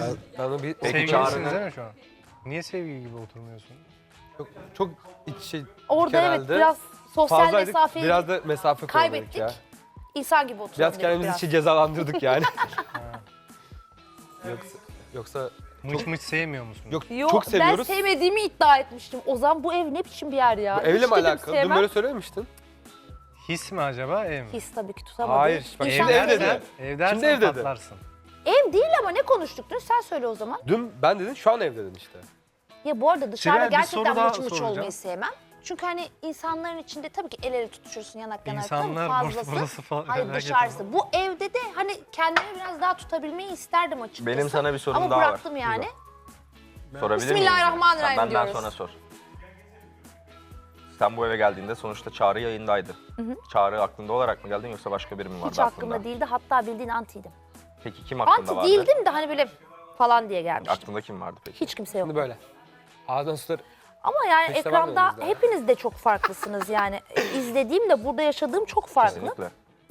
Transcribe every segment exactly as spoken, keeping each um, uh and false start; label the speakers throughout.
Speaker 1: Ben, ben onu bir...
Speaker 2: Sevgilisiniz değil mi şu an? Niye sevgili gibi oturmuyorsun?
Speaker 1: Çok, çok iç şey...
Speaker 3: Orada evet
Speaker 1: genelde
Speaker 3: biraz sosyal
Speaker 1: fazlaydık,
Speaker 3: mesafeyi
Speaker 1: biraz da mesafe koyduk
Speaker 3: kaybettik.
Speaker 1: ya.
Speaker 3: İnsan gibi oturalım
Speaker 1: Biraz
Speaker 3: dedik
Speaker 1: kendimizi
Speaker 3: biraz.
Speaker 1: için cezalandırdık yani. yoksa, yoksa
Speaker 2: Mıç mıç sevmiyor musun?
Speaker 1: yok
Speaker 3: Yo,
Speaker 1: çok seviyoruz.
Speaker 3: Ben sevmediğimi iddia etmiştim. Ozan bu ev ne biçim bir yer ya?
Speaker 1: Bu evle
Speaker 3: Hiç
Speaker 1: mi
Speaker 3: dedim
Speaker 1: alakalı? Dün
Speaker 3: sevmem.
Speaker 1: böyle söylememiştin.
Speaker 2: His mi acaba, ev mi?
Speaker 3: His tabii ki tutamadım.
Speaker 1: Hayır, bak
Speaker 3: İnsan
Speaker 1: şimdi ev
Speaker 3: sevdiği-
Speaker 1: dedi.
Speaker 2: Ev dersen
Speaker 1: Şimdi ev dedi.
Speaker 2: patlarsın.
Speaker 3: Ev değil ama ne konuştuk dün? Sen söyle o zaman.
Speaker 1: Dün ben dedin, şu an ev dedin işte.
Speaker 3: Ya bu arada dışarıda
Speaker 2: Sibel, bir
Speaker 3: gerçekten
Speaker 2: soru daha
Speaker 3: mıç mıç
Speaker 2: soracağım.
Speaker 3: olmayı sevmem. Çünkü hani insanların içinde tabii ki el ele tutuşursun yanak yanak
Speaker 2: İnsanlar
Speaker 3: fazlası.
Speaker 2: burası falan.
Speaker 3: Hayır
Speaker 2: merak
Speaker 3: dışarısı.
Speaker 2: etme.
Speaker 3: Bu evde de hani kendimi biraz daha tutabilmeyi isterdim açıkçası.
Speaker 4: Benim sana bir sorum
Speaker 3: Ama
Speaker 4: daha var.
Speaker 3: bıraktım yani.
Speaker 4: Sorabilir miyim?
Speaker 3: Bismillahirrahmanirrahim
Speaker 4: Sen benden
Speaker 3: diyoruz.
Speaker 4: sonra sor. Sen bu eve geldiğinde sonuçta Çağrı yayındaydı. Çağrı aklında olarak mı geldin yoksa başka biri mi vardı
Speaker 3: Hiç
Speaker 4: aklında?
Speaker 3: aklımda değildi. Hatta bildiğin antiydim.
Speaker 4: Peki kim aklında
Speaker 3: Anti
Speaker 4: vardı?
Speaker 3: değildim de hani böyle falan diye gelmiştim.
Speaker 4: Aklında kim vardı peki?
Speaker 3: Hiç kimse yok.
Speaker 1: Şimdi böyle. Ağzından sular...
Speaker 3: Ama yani
Speaker 1: Hiç de var mı
Speaker 3: ekranda
Speaker 1: elinizde?
Speaker 3: hepiniz de çok farklısınız yani. E, İzlediğimle burada yaşadığım çok farklı.
Speaker 4: Kesinlikle.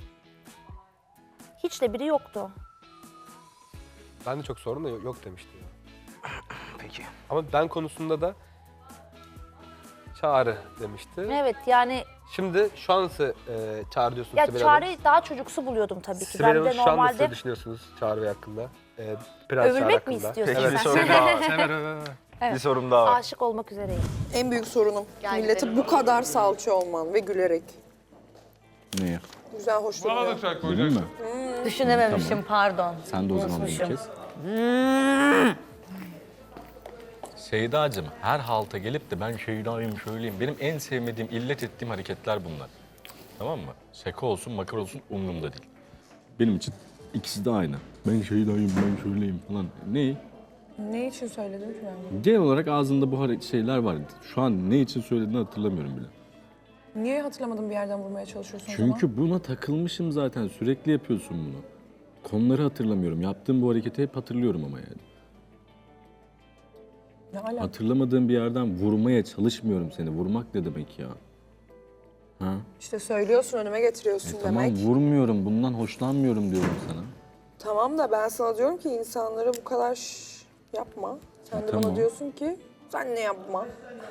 Speaker 3: Hiç de biri yoktu.
Speaker 1: Ben de çok sorun da yok, yok demiştim. Ya.
Speaker 4: Peki.
Speaker 1: Ama ben konusunda da Çağrı demişti.
Speaker 3: Evet yani
Speaker 1: Şimdi şu an nasıl e, Çağrı diyorsunuz
Speaker 3: ya
Speaker 1: Sibel Hanım?
Speaker 3: Çağrı'yı daha çocuksu buluyordum tabii ki.
Speaker 1: Sibel
Speaker 3: Ben
Speaker 1: Hanım
Speaker 3: de
Speaker 1: şu an nasıl
Speaker 3: normalde
Speaker 1: düşünüyorsunuz Çağrı Bey hakkında? E, Prens Çağrı
Speaker 3: övülmek mi
Speaker 1: hakkında.
Speaker 3: istiyorsun
Speaker 4: Peki bir
Speaker 3: sen?
Speaker 4: sorum daha var.
Speaker 2: Sever öve öve.
Speaker 4: Bir sorum daha var.
Speaker 3: Aşık olmak üzereyim.
Speaker 5: En büyük sorunum
Speaker 3: Gel
Speaker 5: millete
Speaker 3: gidelim.
Speaker 5: bu kadar salça olman ve gülerek.
Speaker 6: Neye?
Speaker 5: Güzel, hoş duruyor.
Speaker 6: Benim mi?
Speaker 7: Düşünememişim pardon.
Speaker 6: Sen de o zaman bir
Speaker 7: Unutmuşum.
Speaker 6: kez.
Speaker 8: Seyda'cığım her halta gelip de ben Şeyda'yım şöyleyim. Benim en sevmediğim, illet ettiğim hareketler bunlar. Tamam mı? Şaka olsun, makar olsun umurumda değil.
Speaker 6: Benim için ikisi de aynı. Ben şeydayım, ben şöyleyim falan. Ne?
Speaker 5: Ne için söyledim ki ben?
Speaker 6: Genel olarak ağzında bu hare- şeyler var. Şu an ne için söylediğini hatırlamıyorum bile.
Speaker 5: Niye hatırlamadığım bir yerden vurmaya çalışıyorsun o zaman?
Speaker 6: Çünkü buna takılmışım zaten. Sürekli yapıyorsun bunu. Konuları hatırlamıyorum. Yaptığım bu hareketi hep hatırlıyorum ama yani.
Speaker 5: Ne alaka?
Speaker 6: Hatırlamadığım bir yerden vurmaya çalışmıyorum seni. Vurmak ne demek ya? Ha?
Speaker 5: İşte söylüyorsun, önüme getiriyorsun
Speaker 6: E tamam
Speaker 5: demek.
Speaker 6: vurmuyorum. Bundan hoşlanmıyorum diyorum sana.
Speaker 5: Tamam da ben sana diyorum ki insanlara bu kadar şş, yapma. Sen de
Speaker 6: tamam.
Speaker 5: bana diyorsun ki sen ne yapma.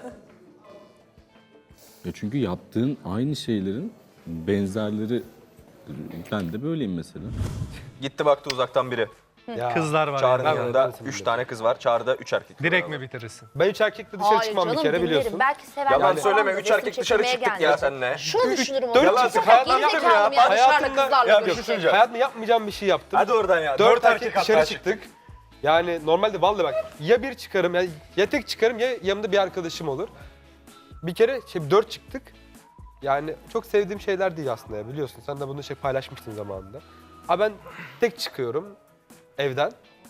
Speaker 6: Ya çünkü yaptığın aynı şeylerin benzerleri, ben de böyleyim mesela.
Speaker 4: Gitti baktı uzaktan biri.
Speaker 1: Ya,
Speaker 2: Kızlar var.
Speaker 4: Çağrı'nın
Speaker 2: yani.
Speaker 1: Ben-
Speaker 4: yanında
Speaker 1: ben-
Speaker 4: üç tane kız var. Çağrı'da üç erkek. var.
Speaker 2: Direkt mi bitirirsin?
Speaker 1: Ben üç erkekle dışarı
Speaker 3: Hayır
Speaker 1: çıkmam
Speaker 3: canım,
Speaker 1: bir kere
Speaker 3: dinlerim.
Speaker 1: biliyorsun.
Speaker 3: Belki sevenler
Speaker 4: Yalan
Speaker 3: falan
Speaker 4: söyleme.
Speaker 3: da
Speaker 4: Üç
Speaker 3: resim
Speaker 4: erkek dışarı
Speaker 3: çekilmeye
Speaker 4: çıktık ya
Speaker 3: geldi.
Speaker 4: seninle.
Speaker 3: Şunu düşünürüm o
Speaker 1: dört
Speaker 3: zaman.
Speaker 1: çıktık.
Speaker 3: Çok
Speaker 1: Hayatımda
Speaker 3: gerizekalıyım
Speaker 1: yapmadım
Speaker 3: yani dışarıda
Speaker 1: Hayatımda-
Speaker 3: kızlarla
Speaker 4: Ya,
Speaker 3: görüşecek.
Speaker 4: bir şey söyleyeceğim.
Speaker 1: Hayatımda yapmayacağım bir şey yaptım.
Speaker 4: Hadi oradan ya.
Speaker 1: Dört, erkek
Speaker 4: erkek
Speaker 1: dışarı
Speaker 4: hatta
Speaker 1: çıktık. Yani normalde vallahi bak ya bir çıkarım ya, ya tek çıkarım ya yanımda bir arkadaşım olur. Bir kere şey, dört çıktık. Yani çok sevdiğim şeyler değil aslında ya biliyorsun. Sen de bunu şey paylaşmıştın zamanında. Ha ben tek çıkıyorum evden.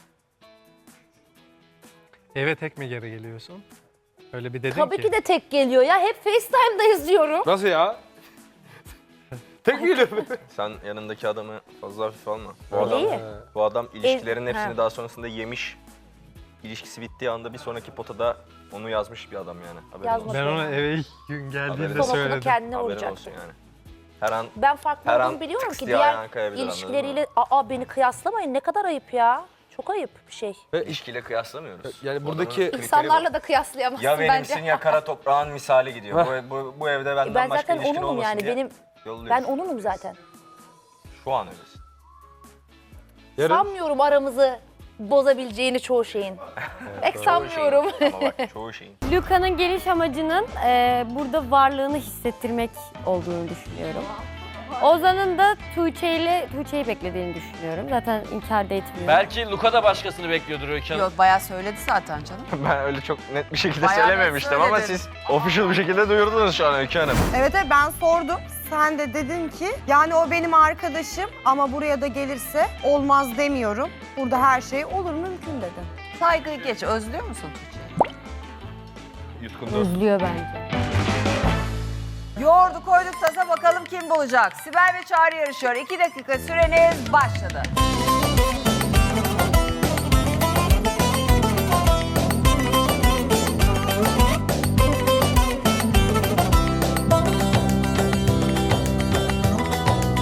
Speaker 2: Eve tek mi geri geliyorsun? Öyle bir dedin
Speaker 3: Tabii
Speaker 2: ki.
Speaker 3: ki de tek geliyor ya. Hep FaceTime'da izliyorum.
Speaker 1: Nasıl ya? tek mi geliyorum?
Speaker 4: Sen yanındaki adamı fazla hafif alma. Bu
Speaker 3: Öyle
Speaker 4: adam,
Speaker 3: iyi.
Speaker 4: bu adam ilişkilerin
Speaker 3: El-
Speaker 4: hepsini
Speaker 3: ha.
Speaker 4: daha sonrasında yemiş. İlişkisi bittiği anda bir sonraki potada onu yazmış bir adam yani. Haberin
Speaker 3: Yazma.
Speaker 4: olsun.
Speaker 2: Ben ona eve ilk gün
Speaker 4: Haberin
Speaker 2: geldiğinde
Speaker 4: olsun.
Speaker 3: Kafasını
Speaker 2: söyledim.
Speaker 3: kendine
Speaker 4: Haberin
Speaker 3: vuracaktı.
Speaker 4: olsun yani. Her an
Speaker 3: Ben farklı
Speaker 4: Her
Speaker 3: olduğumu
Speaker 4: an
Speaker 3: biliyorum
Speaker 4: tıks
Speaker 3: ki
Speaker 4: diye
Speaker 3: diğer
Speaker 4: ayağına kayabilir, anladın
Speaker 3: ilişkileriyle aa beni kıyaslamayın ne kadar ayıp ya. Çok ayıp bir şey.
Speaker 1: Ve
Speaker 4: ilişkiyle kıyaslamıyoruz.
Speaker 1: yani
Speaker 4: Bu
Speaker 1: buradaki
Speaker 4: adamın kriteri
Speaker 3: İnsanlarla
Speaker 4: bu.
Speaker 3: da kıyaslayamazsın
Speaker 4: Ya benimsin
Speaker 3: bence.
Speaker 4: ya kara toprağın misali gidiyor. bu, bu, bu evde benden
Speaker 3: Ben
Speaker 4: başka
Speaker 3: zaten
Speaker 4: ilişkin
Speaker 3: onunum
Speaker 4: olmasın
Speaker 3: yani
Speaker 4: diye
Speaker 3: benim
Speaker 4: yolluyorsun.
Speaker 3: ben onunum zaten.
Speaker 4: Şu an öylesin.
Speaker 1: yarın
Speaker 3: Sanmıyorum aramızı bozabileceğini çoğu şeyin. Pek sanmıyorum.
Speaker 4: Çoğu şeyin, ama bak çoğu şeyin.
Speaker 7: Luca'nın geliş amacının e, burada varlığını hissettirmek olduğunu düşünüyorum. Ozan'ın da Tuğçe ile Tuğçe'yi beklediğini düşünüyorum. Zaten inkar da etmiyorum.
Speaker 9: Belki Luka da başkasını bekliyordur Öykü Hanım.
Speaker 10: Yok bayağı söyledi zaten canım.
Speaker 4: Ben öyle çok net bir şekilde
Speaker 10: Bayağı net
Speaker 4: söylememiştim ama
Speaker 10: söyledin.
Speaker 4: siz official bir şekilde duyurdunuz şu an Öykü Hanım.
Speaker 11: Evet evet ben sordum. Sen de dedin ki yani o benim arkadaşım ama buraya da gelirse olmaz demiyorum. Burada her şey olur mümkün dedin.
Speaker 10: Saygıyı geç. Özlüyor musun Tuğçe'yi?
Speaker 4: Yutkundu.
Speaker 7: Özlüyor bence.
Speaker 10: Yoğurdu koyduk tasa bakalım kim bulacak. Sibel ve Çağrı yarışıyor. İki dakika süreniz başladı.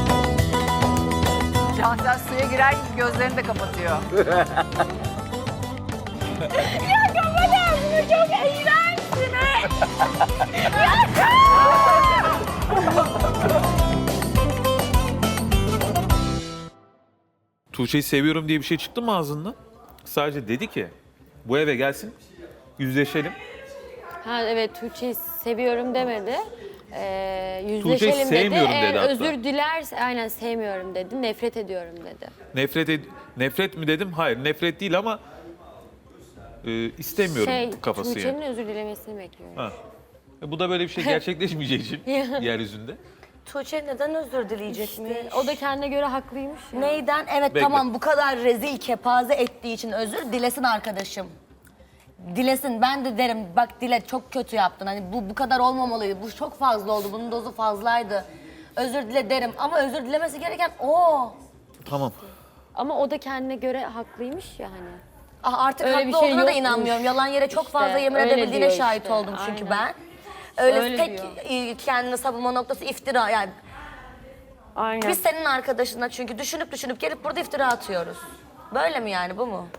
Speaker 10: Cansel suya girer gibi gözlerini de kapatıyor.
Speaker 12: Tuğçe'yi seviyorum diye bir şey çıktı mı ağzından? Sadece dedi ki bu eve gelsin, yüzleşelim.
Speaker 7: Ha evet, Tuğçe'yi seviyorum demedi. Ee,
Speaker 12: Tuğçe'yi
Speaker 7: yüzleşelim dedi.
Speaker 12: sevmiyorum
Speaker 7: Eğer
Speaker 12: dedi hatta.
Speaker 7: özür dilerse, aynen sevmiyorum dedi. Nefret ediyorum dedi.
Speaker 12: Nefret ed- nefret mi dedim? Hayır, nefret değil ama e, istemiyorum
Speaker 7: Şey,
Speaker 12: kafası
Speaker 7: Tuğçe'nin
Speaker 12: yani.
Speaker 7: özür dilemesini bekliyorum.
Speaker 12: Ha. E, bu da böyle bir şey gerçekleşmeyeceği için yeryüzünde.
Speaker 13: Tuğçe neden özür dileyecekmiş?
Speaker 7: O da kendine göre haklıymış ya.
Speaker 13: Neyden? Evet
Speaker 12: Bekle.
Speaker 13: tamam, bu kadar rezil kepaze ettiği için özür dilesin arkadaşım. Dilesin, ben de derim bak Dile çok kötü yaptın. Hani bu bu kadar olmamalıydı. Bu çok fazla oldu. Bunun dozu fazlaydı. Özür dile derim ama özür dilemesi gereken o.
Speaker 12: Tamam.
Speaker 7: Ama o da kendine göre haklıymış ya hani.
Speaker 13: Ah, artık
Speaker 7: Öyle
Speaker 13: haklı
Speaker 7: bir şey
Speaker 13: olduğuna da
Speaker 7: yokmuş.
Speaker 13: inanmıyorum. Yalan yere çok
Speaker 7: İşte,
Speaker 13: fazla yemin
Speaker 7: öyle
Speaker 13: edebildiğine
Speaker 7: diyor
Speaker 13: şahit
Speaker 7: işte,
Speaker 13: oldum çünkü
Speaker 7: aynen.
Speaker 13: ben. Öyle,
Speaker 7: Öyle
Speaker 13: tek
Speaker 7: diyor.
Speaker 13: e, kendini savunma noktası iftira yani.
Speaker 7: Aynen.
Speaker 13: Biz senin arkadaşına çünkü düşünüp düşünüp gelip burada iftira atıyoruz. Böyle mi yani, bu mu?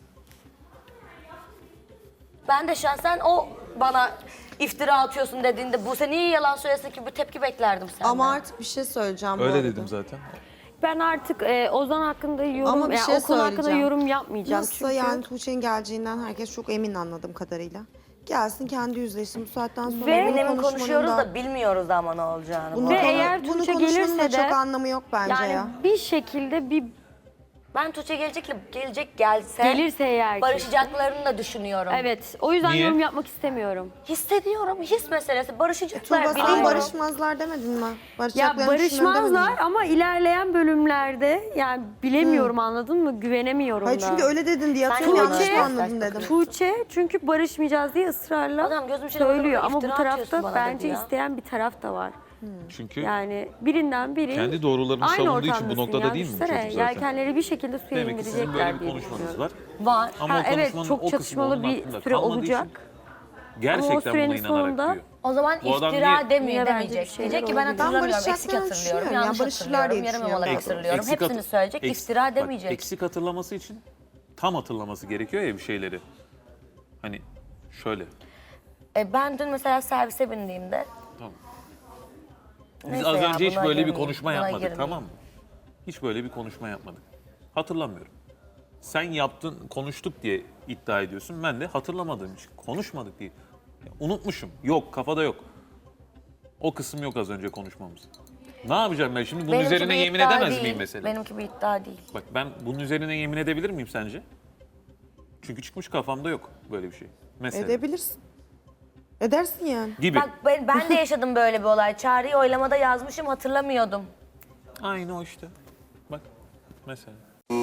Speaker 13: Ben de şahsen o bana iftira atıyorsun dediğinde bu sen niye yalan söylesin ki, bu tepki beklerdim senden.
Speaker 11: Ama artık bir şey söyleyeceğim bu
Speaker 12: Öyle
Speaker 11: arada.
Speaker 12: dedim zaten.
Speaker 7: Ben artık e, Ozan hakkında yorum,
Speaker 11: Ama bir
Speaker 7: yani
Speaker 11: şey
Speaker 7: o konu hakkında
Speaker 11: söyleyeceğim.
Speaker 7: yorum yapmayacağım.
Speaker 11: Nasılsa
Speaker 7: çünkü
Speaker 11: yani Tuğçe'nin geleceğinden herkes çok emin anladığım kadarıyla. Gelsin kendi yüzleşsin bu saatten sonra.
Speaker 7: Ve
Speaker 11: bunu
Speaker 13: Emin emin
Speaker 11: konuşmanın
Speaker 13: konuşuyoruz
Speaker 11: da-
Speaker 13: da bilmiyoruz ama ne olacağını.
Speaker 11: Bunu
Speaker 7: Ve
Speaker 11: konu-
Speaker 7: eğer
Speaker 11: bunu
Speaker 7: Tuğçe
Speaker 11: konuşmanın
Speaker 7: gelirse
Speaker 11: da
Speaker 7: de-
Speaker 11: çok anlamı yok bence
Speaker 13: Yani
Speaker 11: ya.
Speaker 7: bir şekilde bir
Speaker 13: Ben Tuğçe gelecek, gelecek gelse
Speaker 7: gelirse eğer ki.
Speaker 13: barışacaklarını da düşünüyorum.
Speaker 7: Evet, o yüzden
Speaker 12: Niye?
Speaker 7: yorum yapmak istemiyorum.
Speaker 13: Hissediyorum, his meselesi. Barışacaklar,
Speaker 11: Tuğba sen
Speaker 13: biliyorum.
Speaker 11: barışmazlar demedin mi?
Speaker 7: Ya
Speaker 11: Barışacaklarını düşünüyorum demedin
Speaker 7: barışmazlar
Speaker 11: mi?
Speaker 7: ama ilerleyen bölümlerde yani bilemiyorum, anladın mı? Güvenemiyorum
Speaker 11: Hayır
Speaker 7: da.
Speaker 11: çünkü öyle dedin diye
Speaker 13: Sen
Speaker 11: atıyorum, yanlış
Speaker 7: Tuğçe-
Speaker 11: mı anladın dedim.
Speaker 7: Tuğçe çünkü barışmayacağız diye ısrarla
Speaker 13: Adam gözüm içine bakıp
Speaker 7: söylüyor ama bu
Speaker 13: iftira atıyorsun
Speaker 7: tarafta
Speaker 13: bana
Speaker 7: bence
Speaker 13: dedi ya.
Speaker 7: isteyen bir taraf da var.
Speaker 12: Çünkü
Speaker 7: Yani birinden biri
Speaker 12: kendi doğrularını
Speaker 7: aynı
Speaker 12: savunduğu için bu
Speaker 7: ortamdasın
Speaker 12: noktada
Speaker 7: ya,
Speaker 12: değil mi bu
Speaker 7: düşünsene.
Speaker 12: çocuk zaten?
Speaker 7: Yelkenleri bir şekilde suya
Speaker 12: Demek ki sizin böyle
Speaker 7: indirecekler
Speaker 12: bir
Speaker 7: diye
Speaker 12: konuşmanız
Speaker 7: düşünüyorum.
Speaker 12: var.
Speaker 13: Var.
Speaker 12: Ama
Speaker 7: Ha,
Speaker 12: o
Speaker 7: evet,
Speaker 12: konuşmanın
Speaker 7: çok
Speaker 12: o kısmı
Speaker 7: çatışmalı
Speaker 12: onun
Speaker 7: bir
Speaker 12: aklında
Speaker 7: süre
Speaker 12: kalmadığı
Speaker 7: olacak.
Speaker 12: için gerçekten
Speaker 7: sürenin
Speaker 12: buna inanarak
Speaker 7: sonunda-
Speaker 12: diyor.
Speaker 13: O zaman
Speaker 12: Bu adam
Speaker 13: iftira
Speaker 12: niye-
Speaker 13: demiyor,
Speaker 7: Niye bence bir
Speaker 13: demeyecek.
Speaker 7: şeyler
Speaker 13: Diyecek ki ben
Speaker 7: olabilir.
Speaker 13: hatırlamıyorum,
Speaker 11: Ben
Speaker 13: eksik
Speaker 11: barışacaklarını
Speaker 13: hatırlıyorum,
Speaker 11: düşünüyorum.
Speaker 13: yanlış
Speaker 11: Ya barışırlar
Speaker 13: hatırlıyorum,
Speaker 11: diye
Speaker 13: yarım
Speaker 11: düşünüyorum.
Speaker 13: yamalak
Speaker 12: Eks-
Speaker 13: hatırlıyorum.
Speaker 12: eksik
Speaker 13: Hepsini
Speaker 12: hatır-
Speaker 13: söyleyecek,
Speaker 12: eks-
Speaker 13: iftira
Speaker 12: bak,
Speaker 13: demeyecek.
Speaker 12: Eksik hatırlaması için tam hatırlaması gerekiyor ya bir şeyleri. Hani şöyle.
Speaker 13: E, ben dün mesela servise bindiğimde...
Speaker 12: Tamam. Biz
Speaker 13: Neyse
Speaker 12: az
Speaker 13: ya,
Speaker 12: önce hiç
Speaker 13: buna
Speaker 12: böyle bir
Speaker 13: girmeyeyim,
Speaker 12: konuşma
Speaker 13: buna
Speaker 12: yapmadık,
Speaker 13: girmeyeyim.
Speaker 12: tamam mı? Hiç böyle bir konuşma yapmadık. Hatırlamıyorum. Sen yaptın, konuştuk diye iddia ediyorsun. Ben de hatırlamadığım için konuşmadık diye. Ya, unutmuşum. Yok, kafada yok. O kısım yok az önce konuşmamız. Ne yapacağım ben şimdi? Bunun
Speaker 13: Benimki
Speaker 12: üzerine
Speaker 13: bir
Speaker 12: yemin
Speaker 13: iddia
Speaker 12: edemez
Speaker 13: değil.
Speaker 12: miyim mesela?
Speaker 13: Benimki bir iddia değil.
Speaker 12: Bak ben bunun üzerine yemin edebilir miyim sence? Çünkü çıkmış kafamda yok böyle bir şey. Mesela.
Speaker 11: Edebilirsin. Edersin yani.
Speaker 12: Gibi.
Speaker 13: Bak ben, ben de yaşadım böyle bir olay. Çağrı'yı oylamada yazmışım, hatırlamıyordum.
Speaker 12: Aynı o işte. Bak mesela.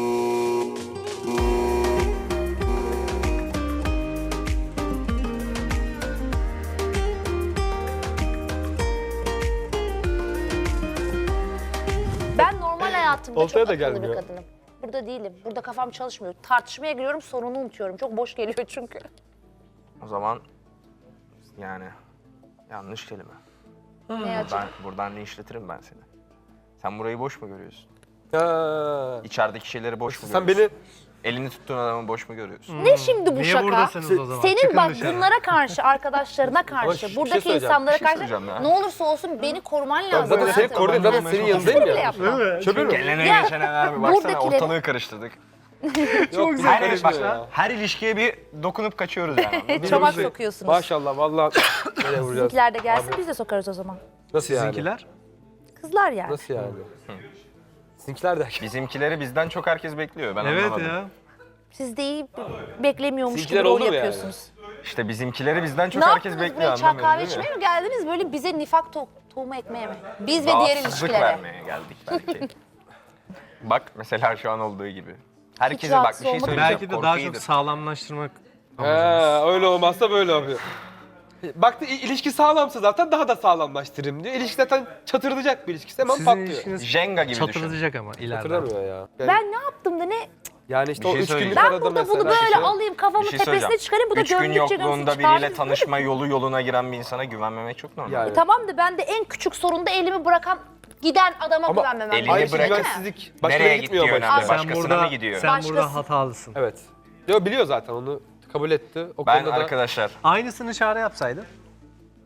Speaker 3: Ben normal hayatımda
Speaker 1: Oltaya
Speaker 3: çok
Speaker 1: da
Speaker 3: akıllı bir
Speaker 1: gelmiyor.
Speaker 3: kadınım. Burada değilim. Burada kafam çalışmıyor. Tartışmaya giriyorum, sorunu unutuyorum. Çok boş geliyor çünkü.
Speaker 4: O zaman yani yanlış kelime.
Speaker 3: Ne açık?
Speaker 4: Ben buradan linçletirim ben seni. Sen burayı boş mu görüyorsun?
Speaker 1: Ha.
Speaker 4: İçerideki şeyleri boş mu
Speaker 1: Sen
Speaker 4: görüyorsun?
Speaker 1: beni
Speaker 4: Elini tuttuğun adamı boş mu görüyorsun?
Speaker 3: Ne şimdi bu
Speaker 2: Niye
Speaker 3: şaka?
Speaker 2: buradasınız o zaman?
Speaker 3: Senin
Speaker 2: Çıkın
Speaker 3: bak
Speaker 2: dışarı.
Speaker 3: bunlara karşı, arkadaşlarına karşı,
Speaker 1: bir şey
Speaker 3: buradaki
Speaker 1: söyleyeceğim,
Speaker 3: insanlara
Speaker 4: bir şey
Speaker 3: karşı
Speaker 4: söyleyeceğim ya.
Speaker 3: ne olursa olsun beni koruman
Speaker 1: Bak
Speaker 3: lazım.
Speaker 1: zaten seni
Speaker 3: hayatım.
Speaker 1: korudum. Zaten senin yanındayım
Speaker 3: Bile
Speaker 1: ya.
Speaker 3: yapmam.
Speaker 1: Çöpür mü?
Speaker 4: Gelene
Speaker 3: Ya,
Speaker 4: geçene abi baksana
Speaker 3: buradakileri-
Speaker 4: ortalığı karıştırdık.
Speaker 1: Çok güzel
Speaker 4: Her,
Speaker 1: karışmıyor
Speaker 4: bak,
Speaker 1: ya.
Speaker 4: her ilişkiye bir dokunup kaçıyoruz yani.
Speaker 3: Çomak
Speaker 1: Bizi-
Speaker 3: sokuyorsunuz.
Speaker 1: Maşallah vallahi nereye vuracağız?
Speaker 3: Bizimkiler de gelsin, biz de sokarız o zaman.
Speaker 1: Nasıl yani?
Speaker 2: Sizinkiler?
Speaker 3: Kızlar yani.
Speaker 1: Nasıl yani? Sizinkiler de.
Speaker 4: Bizimkileri bizden çok herkes bekliyor. Ben
Speaker 2: Evet
Speaker 4: anlamadım.
Speaker 2: ya.
Speaker 3: Siz de iyi beklemiyormuş gibi
Speaker 1: Sizinkiler
Speaker 3: rol
Speaker 1: olur yani.
Speaker 3: yapıyorsunuz.
Speaker 4: İşte bizimkileri bizden çok
Speaker 3: Ne
Speaker 4: herkes
Speaker 3: yaptınız
Speaker 4: bekliyor
Speaker 3: buraya, çay
Speaker 4: anlamıyorum
Speaker 3: kahve
Speaker 4: değil mi?
Speaker 3: içmeye mi geldiniz? Böyle bize nifak to- tohumu ekmeye mi? Biz ve diğer
Speaker 4: Rahatsızlık
Speaker 3: ilişkilere.
Speaker 4: vermeye geldik belki. Bak mesela şu an olduğu gibi. Herkese
Speaker 3: Hiç
Speaker 4: bak bir
Speaker 3: rahatsız
Speaker 4: şey
Speaker 3: olmadım.
Speaker 4: söyleyeceğim.
Speaker 2: Belki de
Speaker 4: korku
Speaker 2: daha
Speaker 4: iyidir.
Speaker 2: çok sağlamlaştırmak
Speaker 1: He, öyle olmazsa böyle yapıyor. Baktı i- ilişki sağlamsa zaten daha da sağlamlaştırayım diyor. İlişki zaten çatırdayacak bir ilişkisi hemen
Speaker 2: Sizin
Speaker 1: patlıyor.
Speaker 2: ilişkiniz
Speaker 4: Jenga gibi düşün.
Speaker 2: çatırdatacak ama ileride.
Speaker 1: Hatırlamıyor ya. Yani,
Speaker 3: Ben ne yaptım da ne?
Speaker 1: yani işte
Speaker 4: Bir
Speaker 1: o
Speaker 4: şey
Speaker 1: üç günlük
Speaker 4: söyleyeceğim.
Speaker 3: Ben
Speaker 1: arada
Speaker 3: burada
Speaker 1: mesela.
Speaker 3: bunu böyle
Speaker 4: şey-
Speaker 3: alayım kafamın
Speaker 4: Bir şey
Speaker 3: tepesine
Speaker 4: söyleyeceğim.
Speaker 3: çıkarayım. Bu da
Speaker 4: Üç gün
Speaker 3: gömdükçe gömsün
Speaker 4: yokluğunda
Speaker 3: çıkardım.
Speaker 4: biriyle tanışma yolu yoluna giren bir insana güvenmemek çok normal.
Speaker 1: Yani.
Speaker 3: E tamam da ben de en küçük sorunda elimi bırakan giden adama
Speaker 1: Ama
Speaker 3: güvenmemem
Speaker 4: elini
Speaker 3: lazım.
Speaker 1: Aynı
Speaker 4: bırakıp-
Speaker 1: güvensizlik başka
Speaker 4: Nereye
Speaker 1: yere gitmiyor
Speaker 4: gidiyor
Speaker 1: ama.
Speaker 4: önemli.
Speaker 1: işte.
Speaker 2: Sen
Speaker 4: Başkasına
Speaker 2: burada,
Speaker 4: mı gidiyor?
Speaker 2: sen burada
Speaker 3: Başkası.
Speaker 2: hatalısın.
Speaker 1: Evet. Yo biliyor zaten onu kabul etti. O
Speaker 4: Ben
Speaker 1: konuda da
Speaker 4: arkadaşlar
Speaker 2: Aynısını Çağrı yapsaydın.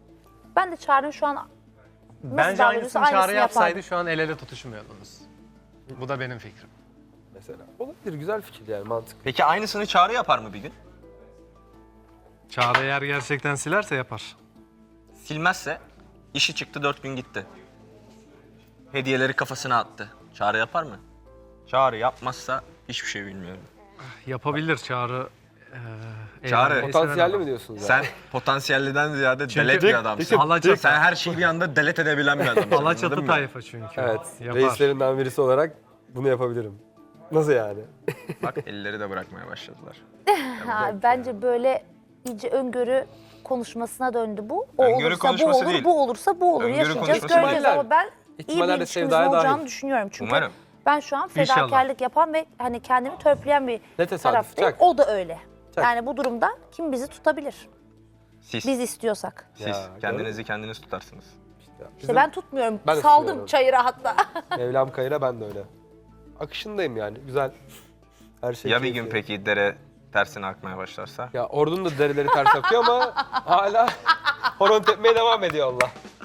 Speaker 3: Ben de Çağrı'nın şu an nasıl
Speaker 2: Bence
Speaker 3: davranıyorsa
Speaker 2: aynısını
Speaker 3: aynısını
Speaker 2: Çağrı yapsaydı
Speaker 3: yapardım.
Speaker 2: şu an el ele tutuşmuyordunuz. Bu da benim fikrim.
Speaker 1: Mesela. Olabilir, güzel fikir yani, mantıklı.
Speaker 4: Peki aynısını Çağrı yapar mı bir gün?
Speaker 2: Çağrı eğer gerçekten silerse yapar.
Speaker 4: Silmezse işi çıktı dört gün gitti. Hediyeleri kafasına attı. Çağrı yapar mı? Çağrı yapmazsa hiçbir şey bilmiyorum.
Speaker 2: Yapabilir Çağrı. eee,
Speaker 4: Çağrı,
Speaker 2: eğlenmeyi
Speaker 1: Potansiyelli
Speaker 2: seven
Speaker 1: mi diyorsunuz?
Speaker 4: Sen potansiyelliden ziyade
Speaker 2: Çünkü-
Speaker 4: delet bir adamsın.
Speaker 2: Alaçatı,
Speaker 4: Sen her şeyi bir anda delet edebilen bir adamsın. anladın
Speaker 2: Alaçatı
Speaker 4: mı?
Speaker 2: tayfa çünkü.
Speaker 1: Evet,
Speaker 2: Yapar.
Speaker 1: reislerinden birisi olarak bunu yapabilirim. Nasıl yani?
Speaker 4: Bak elleri de bırakmaya başladılar.
Speaker 3: Ha, bence böyle iyice öngörü konuşmasına döndü bu. O
Speaker 4: Öngörü
Speaker 3: olursa bu
Speaker 4: konuşması
Speaker 3: olur,
Speaker 4: değil.
Speaker 3: bu olursa bu olur.
Speaker 4: Öngörü
Speaker 3: Yaşayacağız,
Speaker 4: konuşması
Speaker 3: göreceğiz
Speaker 1: değil.
Speaker 3: ama ben iyi bir
Speaker 1: İhtimaller de
Speaker 3: ilişkimizin
Speaker 1: sevdaya
Speaker 3: olacağını
Speaker 1: dahil.
Speaker 3: düşünüyorum. Çünkü
Speaker 4: Umarım.
Speaker 3: ben şu an
Speaker 2: İnşallah.
Speaker 3: fedakarlık yapan ve hani kendimi törpüleyen bir
Speaker 1: Ne tesadüf,
Speaker 3: taraftayım.
Speaker 1: çak.
Speaker 3: O da öyle.
Speaker 1: Çak.
Speaker 3: Yani bu durumda kim bizi tutabilir?
Speaker 4: Siz,
Speaker 3: Biz istiyorsak.
Speaker 4: siz
Speaker 1: Ya,
Speaker 4: kendinizi kendiniz tutarsınız.
Speaker 3: İşte ben tutmuyorum.
Speaker 1: Ben de
Speaker 3: Saldım
Speaker 1: tutuyorum.
Speaker 3: çayıra hatta.
Speaker 1: Mevlam kayıra, ben de öyle. Akışındayım yani, güzel. Her şey
Speaker 4: Ya bir
Speaker 1: keyifli.
Speaker 4: gün peki dere tersine akmaya başlarsa?
Speaker 1: Ya ordunun da dereleri ters akıyor ama hala horon tepmeye devam ediyor Allah.